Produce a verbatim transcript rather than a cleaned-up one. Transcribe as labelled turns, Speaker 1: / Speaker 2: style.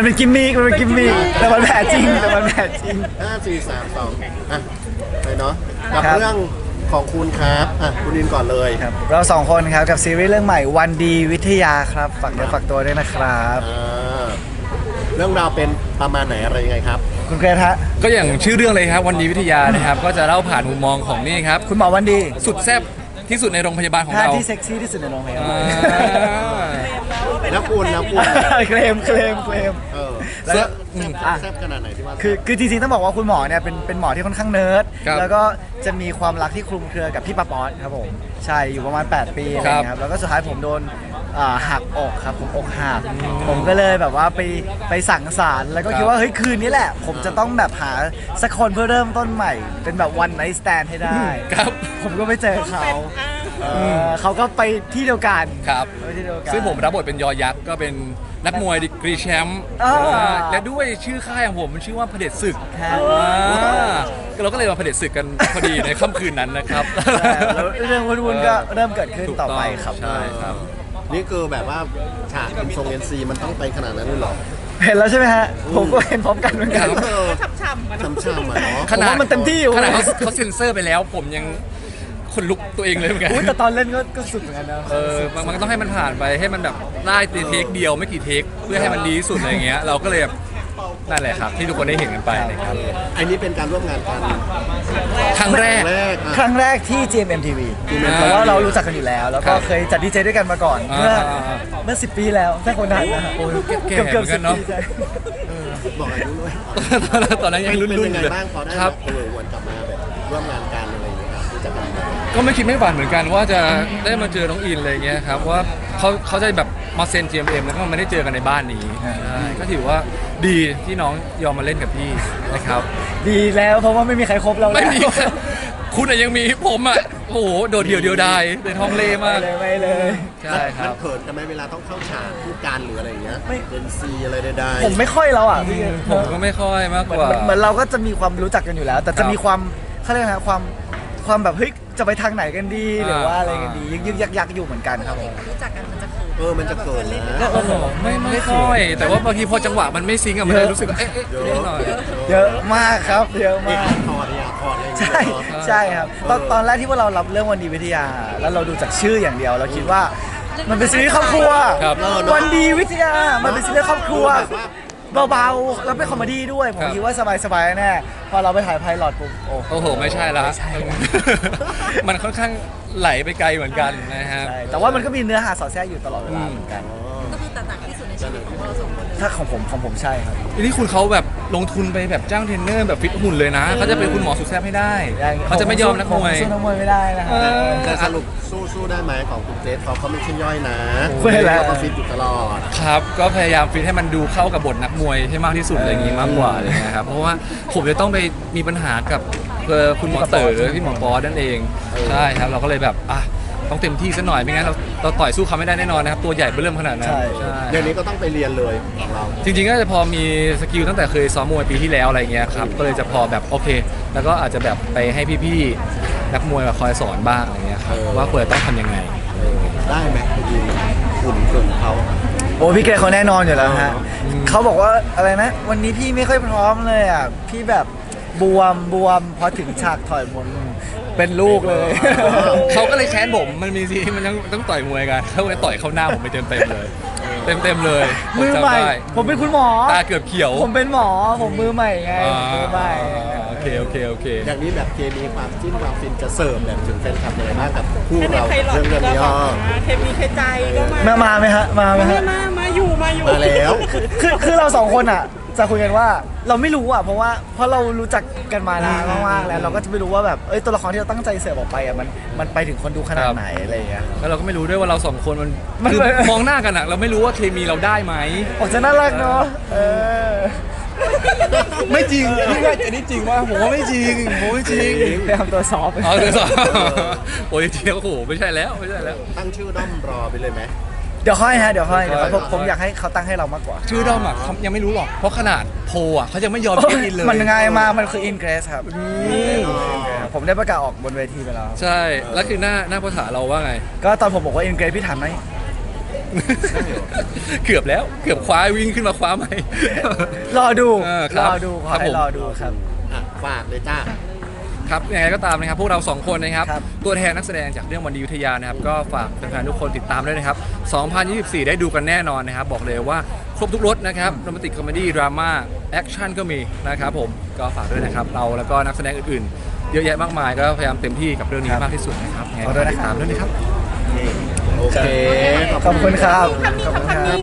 Speaker 1: เป็นกิมมิคมันเป็นกิมมิคแต่มันแผลจริงแต่มันแผลจริง
Speaker 2: ห้าสี่สามสองอ่ะไปเนาะกับ
Speaker 1: ครับ
Speaker 2: เรื่องของคุณครับอ่ะคุณอินก่อนเลย
Speaker 1: ครับเราสองคนครับกับซีรีส์เรื่องใหม่วันดีวิทยาครับฝากเนื้อฝากตัวด้วยนะครับ
Speaker 2: อ่าเรื่องราวเป็นประมาณไหนอะไรยังไงครับ
Speaker 1: คุณเกรทฮะ
Speaker 3: ก็อย่างชื่อเรื่องเลยครับวันดีวิทยานะครับก็จะเล่าผ่านมุมมองของนี่ครับ
Speaker 1: คุณหมอวันดี
Speaker 3: สุดแซ่บที่สุดในโรงพยาบาลของ
Speaker 1: ท่า
Speaker 3: เรา
Speaker 1: ที่เซ็กซี่ที่สุดในโรงพยา
Speaker 3: อ่า
Speaker 1: บาล
Speaker 2: แล้วคุณแล้วคุณ
Speaker 1: เคลมเคลมเคลม
Speaker 2: เออ
Speaker 1: แล้ว
Speaker 2: แซ่บ
Speaker 1: อืม
Speaker 2: แซ่บ
Speaker 1: อ่ะ
Speaker 2: แซ่บขนาดไหนที่ว่า
Speaker 1: คือคือจริงๆต้องบอกว่าคุณหมอเนี่ยเป็นเป็นหมอที่ค่อนข้างเนิร์ด
Speaker 3: ครับ
Speaker 1: แล้วก็จะมีความรักที่คลุมเครือกับพี่ปาป๊อตครับผมใช่อยู่ประมาณแปดปีอะไรอย่างเงี้ยครับแล้วก็สุดท้ายผมโดนอ่าหักอกครับผมอกหักผมก็เลยแบบว่าไปไปสั่งสารค์แล้วก็คิดว่าเฮ้ยคืนนี้แหละ ผมจะต้องแบบหาสักคนเพื่อเริ่มต้นใหม่ เป็นแบบวันไนท์สแตนให้ได้
Speaker 3: ครับ
Speaker 1: ผมก็ไปเจอเขาเออเขาก็ไปที่เดียวกัน
Speaker 3: ครับ
Speaker 1: ไปที่เดียวกัน
Speaker 3: ซึ่งผมรับบทเป็นยอยักษ์ก็เป็นนักมวยดีกรีแชมป์
Speaker 1: อ่า
Speaker 3: อ่าและด้วยชื่อค่ายของผมมันชื่อว่าเผด็จศึก
Speaker 1: ครับ
Speaker 3: อ่าเราก็เลยมาเผด็จศึกกันพอดีในค่ำคืนนั้นนะครับ
Speaker 1: ใช่แล้วเรื่องวุ่นๆก็เริ่มเกิดขึ้น
Speaker 3: ถูก
Speaker 1: ต่อ
Speaker 3: ต้อง
Speaker 1: ไปครับ
Speaker 3: ใช่ครับ
Speaker 2: นี่คือแบบว่าฉากอินทรงเอ็นซีมันต้องไปขนาดนั้นเลยเหรอ
Speaker 1: เห็นแล้วใช่ไหมฮะ ผมก็เห็นพร้อมกันเหมือนกัน
Speaker 2: เออ
Speaker 4: ช้ำๆมัน
Speaker 2: ช้ำๆอ่ะเนาะ
Speaker 1: ขนาดมันเต็มที่อยู่
Speaker 3: ขนาดเขาเขาเซ็นเซอร์ไปแล้ว ผมยังขนลุกตัวเองเลยเหมือนกัน
Speaker 1: อุ้ยแต่ตอนเล่นก็ก็สุดเหมือนกันนะ
Speaker 3: เออมันมันก็ต้องให้มันผ่านไปให้มันแบบได้เทคเดียวไม่กี่เทคเพื่อให้มันดีที่สุดอะไรเงี้ยเราก็เลยแบบนั่นแหละครับที่ทุกคนได้เห็นกันไปนะครับ
Speaker 2: อันนี้เป็นการร่วมงานกัน
Speaker 3: ครั้งแรก
Speaker 2: แรกอ่ะ
Speaker 1: ครั้งแรกที่ จี เอ็ม เอ็ม ที วี
Speaker 2: จี เอ็ม เอ็ม
Speaker 1: เพราะว่าเรารู้จักกันอยู่แล้ว แล้วก็
Speaker 3: ครับ
Speaker 1: เคยจัดดีเจด้วยกันมาก่อน
Speaker 3: อ่า
Speaker 1: เมื่อ
Speaker 3: อ่าอ่า
Speaker 1: เมื่อสิบปีแล้วถ้าคนนั้นนะฮะ
Speaker 3: โอ้ยแก่ๆเหมือนกันเนอะ
Speaker 1: สิบปีใช่
Speaker 2: บอกอายุด้วย
Speaker 3: ตอนนั้นยังรุ่น
Speaker 2: เป็น
Speaker 3: ๆ
Speaker 2: ยัง
Speaker 3: อ
Speaker 2: ไง
Speaker 3: ยู่เลย
Speaker 2: บ้างพอได้
Speaker 3: ครับ
Speaker 2: แบบเออวนกลับมาแบบร่วมงานกันอะไรอย่างเงี้ยครับรู้จักกันมา
Speaker 3: ก็ไม่คิดไม่ฝันเหมือนกันว่าจะได้มาเจอน้องอินอะไรเงี้ยครับว่าเขาเขาจะแบบมาเซ็น จี เอ็ม เอ็ม แล้วก็ไม่ได้เจอกันในบ้านนี้ใช่ก็ถือว่าดีที่น้องยอมมาเล่นกับพี่นะครับ
Speaker 1: ดีแล้วเพราะว่าไม่มีใครครบเราแล้ว
Speaker 3: ไม่มีคุณอะยังมีผมอะโอ้โหโดดเดี่ยวเดียวดายในท้องเล่
Speaker 1: ไม่
Speaker 3: มาก
Speaker 1: เลยไม่เลย
Speaker 3: ใช่ค
Speaker 2: มั
Speaker 3: รั
Speaker 2: น
Speaker 3: บ
Speaker 2: เขินกันไหมเวลาต้องเข้าฉากพูดการหรืออะไรอย่างเงี้ย
Speaker 1: ไม่
Speaker 2: เป็นซีอะไรใด
Speaker 1: ผมไม่ค่อยแล้วอ่ะพี่
Speaker 3: ผมก็ไม่ค่อยมาก
Speaker 1: เห
Speaker 3: ก
Speaker 1: มือน
Speaker 3: ว่า
Speaker 1: เหมือนเราก็จะมีความรู้จักกันอยู่แล้ว แต่
Speaker 3: ครั
Speaker 1: จะ
Speaker 3: บ
Speaker 1: มีความเขาเรียกนะความความแบบเฮ้ยจะไปทางไหนกันดีหรือว่าอะไรกันดี
Speaker 3: อ่า
Speaker 1: ยึกยึกยักยักอยู่เหมือนกันครับผม
Speaker 4: รู้จักกันมันจะเขิน
Speaker 2: ๆเออมันจะเขินนะ
Speaker 1: โอ้โห
Speaker 3: ไม่ไม่ค่อย แต่ว่าบางทีพอจังหวะมันไม่ซิงก์อะมันเลยรู้สึกว่าเอ๊ะเอ๊ะ
Speaker 2: เย
Speaker 3: นิด
Speaker 2: อะ
Speaker 3: หน่อย
Speaker 1: เยอะมากครับ เยอะ
Speaker 2: เอก
Speaker 1: มาก
Speaker 2: ถอดเนี่ยถอดอะไรอย่าง
Speaker 1: ใช่
Speaker 2: เงี้ยเหรอ
Speaker 1: ใช่ครับตอนตอนแรกที่ว่าเรารับเรื่องวันดีวิทยา แล้วเราดูจากชื่ออย่างเดียว เราคิดว่ามันเป็นซีรีส์ครอบครัว
Speaker 3: ครับ
Speaker 1: วันดีวิทยา มันเป็นซีรีส์ครอบครัว
Speaker 2: แบบว่า
Speaker 1: เบาๆแล้วเป็นคอมเมดี้ด้วย ผม
Speaker 3: ครับ
Speaker 1: คิดว่าสบายๆแน่พอเราไปถ่ายไพลอตปุ๊บโอ้
Speaker 3: โอ้โห ไม่ใช่ละ
Speaker 1: ไม่ใช่
Speaker 3: มันค่อนข้างไหลไปไกลเหมือนกันนะฮะ
Speaker 1: ใช่แต่ว่ามันก็มีเนื้อหาสอดแทรกอยู่ตลอดเวลาเหมือนกัน
Speaker 4: ก็คือแต่หนักที่สุดในชีวิตของเราสองคนเลย
Speaker 1: ถ้าของผมของผมใช่ครับ
Speaker 3: ทีนี้คุณเขาแบบลงทุนไปแบบจ้างเทรนเนอร์แบบฟิตหุ่นเลยนะเขาจะเป็นคุณหมอสุดแซ่บให้ได้เขาจะไม่ยอมนักมวย
Speaker 1: ผสู้นักมวยไม่ได้นะฮะ
Speaker 3: เออ
Speaker 2: แต่สรุปสู้สู้ได้ไหมของคุณเกรซเขาเขาไม่ใช่ย่อยนะ
Speaker 1: คุยแล้ว
Speaker 2: เขาก็ฟิตอยู่ตลอด
Speaker 3: ครับ ก็พยายามฟิตให้มันดูเข้ากับบทนักมวยให้มากที่สุดอะไรอย่างงี้มากกว่าอะไรเลยนะครับ เพราะว่าผมจะต้องไปมีปัญหากับเอ่อคุณหมอเต๋อพี่หมอปอนั่นเอง ใช่ครับ เราก็เลยแบบอ่ะต้องเต็มที่ซะหน่อยไม่งั้นเราเราต่อยสู้เขาไม่ได้แน่นอนนะครับ ตัวใหญ่เบิ่มขนาดนั้น
Speaker 1: ใช่
Speaker 3: ใช่
Speaker 2: เดี๋ยวนี้ก็ต้องไปเรียนเลยของเรา
Speaker 3: จริงๆก็จะพอมีสกิลตั้งแต่เคยซ้อมมวยปีที่แล้วอะไรเงี้ยครับ ก็เลยจะพอแบบโอเค แล้วก็อาจจะแบบไปให้พี่ๆนักมวยมาคอยสอนบ้างอะไรเงี้ยครับ
Speaker 2: เออ
Speaker 3: ว่าควรจะต้องทำยังไง
Speaker 2: เออได้ไหมคุณยินหุ่นส่วนเขา
Speaker 1: โอ้พี่เกรซเขาแน่นอนอยู่แล้วฮะ
Speaker 3: อืม
Speaker 1: เขาบอกว่าอะไรนะ วันนี้พี่ไม่ค่อยพร้อมเลยอ่ะ พี่แบบบวมบวมพอถึงฉากถอยมนเป็นลูกเลย
Speaker 3: เขาก็เลยแค้นผมมันมีซีนมันต้องต้องต่อยมวยกันเขาเลยต่อยเข้าหน้าผมไปเต็มเต็มๆเลย เต็มเต็มๆเลยผ
Speaker 1: มือ
Speaker 3: จำ
Speaker 1: ใหม่
Speaker 3: ได้
Speaker 1: ผมเป็นคุณหมอ
Speaker 3: ตาเกือบเขียว
Speaker 1: ผมเป็นหมอ ผมมือใหม่ไง
Speaker 3: อ่า
Speaker 1: มือใหม่
Speaker 3: โอเคโอเคโอเค
Speaker 2: อย่างนี้แบบเคมีความจิ้นความฟินจะเสิร์ฟแบบถึงแฟนคลับยังไงบ้างกับคู่
Speaker 4: แค่ใน
Speaker 2: เรา
Speaker 4: ไพลอต
Speaker 2: เรื่องเรื่อง
Speaker 4: ก็
Speaker 2: นี้
Speaker 4: แบ
Speaker 2: อ๋อบ
Speaker 4: มาเคมีเคใจก็มา
Speaker 1: มามาไหมฮะ มาไหม
Speaker 4: มา
Speaker 1: ฮะ
Speaker 4: มามาอยู่มาอยู่
Speaker 2: มาแล้ว
Speaker 1: คือคือเราสองคนอ่ะ จะคุยกันว่าเราไม่รู้อ่ะ เพราะว่าเพราะเรารู้จักกันมานานมากๆแล้ว เราก็จะไม่รู้ว่าแบบเอ้ยตัวละครที่เราตั้งใจเสิร์ฟออกไปอ่ะมันมันไปถึงคนดูขนาดไหนอะไรอย่างเงี้ย
Speaker 3: แล้วเราก็ไม่รู้ด้วยว่าเราสองคนมัน
Speaker 1: มัน
Speaker 3: คือ
Speaker 1: เลย
Speaker 3: มองหน้ากันอะเราไม่รู้ว่าเคมีเราได้ไหม
Speaker 1: ออกจะน่ารักเนาะเออ
Speaker 3: ไม่จริงพี่ว่าอันนี้จริงว่าผมว่าไม่จริงผมไม่จริง
Speaker 1: ไปทำตัวซอฟต์
Speaker 3: เอาเดี๋ยวสอบโอ้ยจริงๆโอ้โหไม่ใช่แล้วไม่ใช่แล้ว
Speaker 2: ตั้งชื่อด้อมรอไปเลยไหม
Speaker 1: เดี๋ยวค่อยฮะเดี๋ยวค่อยเดี๋ยวค่อยผม
Speaker 2: ค่อย
Speaker 1: ผมอยากให้เขาตั้งให้เรามากกว่า
Speaker 3: ชื่อด้อมอะเขายังไม่รู้หรอกเพราะขนาดโพลอะเขายังไม่ยอมเช็คอินเลย
Speaker 1: มันง่ายมากมันคืออินเกรสครับผมได้ประกาศออกบนเวทีไปแล้ว
Speaker 3: ใช่แล้วคือหน้าหน้าภาษาเราว่าไง
Speaker 1: ก็ตอนผมบอกว่าอินเกรสพี่ถามไหม
Speaker 3: เกือบแล้วเกือบคว้าวิ่งขึ้นมาคว้าไหม
Speaker 1: รอดู
Speaker 3: เออค
Speaker 1: ร
Speaker 3: รับ
Speaker 1: อดูขอ
Speaker 3: ครับ
Speaker 1: ให้
Speaker 3: ผม
Speaker 1: รอดูครับ
Speaker 2: อ่ะฝากเลยจ้า
Speaker 3: ครับยังไงก็ตามนะครับพวกเราสองคนนะครับ
Speaker 1: ครับ
Speaker 3: ตัวแทนนักแสดงจากเรื่องวันดีอยุธยานะครับก็ฝากแฟนๆทุกคนติดตามด้วยนะครับสองพันยี่สิบสี่ได้ดูกันแน่นอนนะครับบอกเลยว่าครบทุกรสนะครับโรแมนติกคอมเมดี้ดราม่าแอคชั่นก็มีนะครับผมก็ฝากด้วยนะครับเราแล้วก็นักแสดงอื่นๆ เยอะแยะมากมายก็พยายามเต็มที่กับเรื่องนี้
Speaker 1: ครับ
Speaker 3: มากที่สุดนะครับยังไง
Speaker 1: ขอ
Speaker 3: ก็
Speaker 1: ด้วยนะ
Speaker 3: ติดตามด้วยนะครับ
Speaker 2: โอเค
Speaker 1: ขอบคุณครับขอบคุณครับ